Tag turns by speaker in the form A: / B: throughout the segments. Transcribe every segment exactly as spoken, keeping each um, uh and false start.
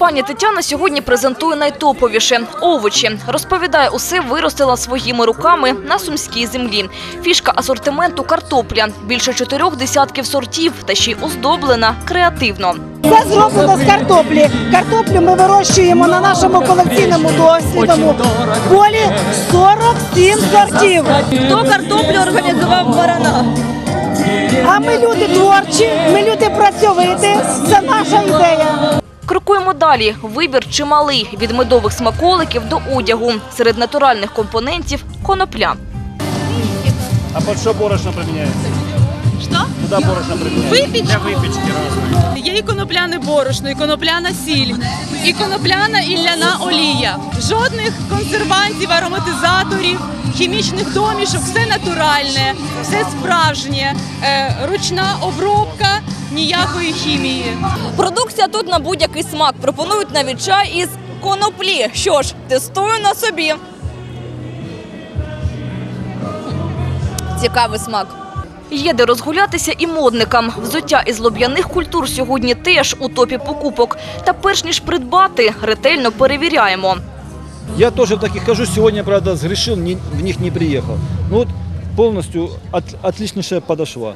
A: Пані Тетяна сьогодні презентує найтоповіше – овочі. Розповідає, усе виростила своїми руками на сумській землі. Фішка асортименту – картопля. Більше чотирьох десятків сортів та ще й оздоблена креативно.
B: Це зроблено з картоплі. Картоплю ми вирощуємо на нашому колекційному дослідному полі сорок сім сортів.
C: Хто картоплю організував в Баранах?
B: А ми люди творчі, ми люди працьовиті. Це наша ідея.
A: Крокуємо далі. Вибір чималий – від медових смаколиків до одягу. Серед натуральних компонентів – конопля.
D: А под что борошно применяется?
C: Що?
D: Куда борошно применяется?
C: Випічку.
D: Для выпечки разные.
C: Є і конопляне борошно, і конопляна сіль, і конопляна і ляна олія. Жодних консервантів, ароматизаторів, хімічних домішок. Все натуральне, все справжнє, е, ручна обробка, ніякої хімії.
E: Продукція тут на будь-який смак. Пропонують навіть чай із коноплі. Що ж, тестую на собі. Цікавий смак.
A: Є де розгулятися і модникам. Взуття із лоб'яних культур сьогодні теж у топі покупок. Та перш ніж придбати, ретельно перевіряємо.
F: Я тоже в таких хожу. Сегодня, правда, сгрешил, не, в них не приехал. Ну вот полностью от, отличнейшая подошва.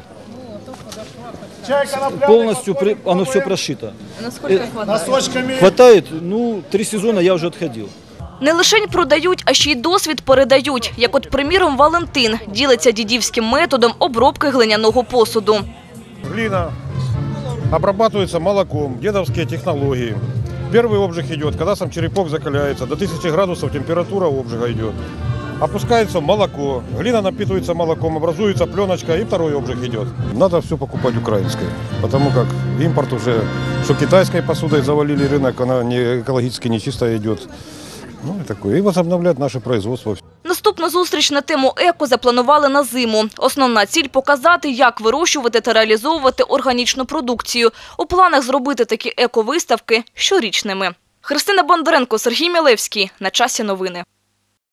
F: Полностью при, оно все прошито.
E: Наскільки
D: Носочками.
F: Хватает, ну, три сезона я уже отходил.
A: Не лишень продають, а ще й досвід передають. Як от, приміром, Валентин ділиться дідівським методом обробки глиняного посуду.
G: Глина обрабатывается молоком, дедовские технологии. Первый обжиг идет, когда сам черепок закаляется, до тысячи градусов температура обжига идет. Опускается молоко, глина напитывается молоком, образуется пленочка, и второй обжиг идет. Надо все покупать украинское, потому как импорт уже, что китайской посудой завалили рынок, она не экологически нечистая идет. Ну и такое. И возобновлять наше производство.
A: Наступну зустріч на тему еко запланували на зиму. Основна ціль – показати, як вирощувати та реалізовувати органічну продукцію. У планах зробити такі еко-виставки щорічними. Христина Бондаренко, Сергій Мілевський. На часі новини.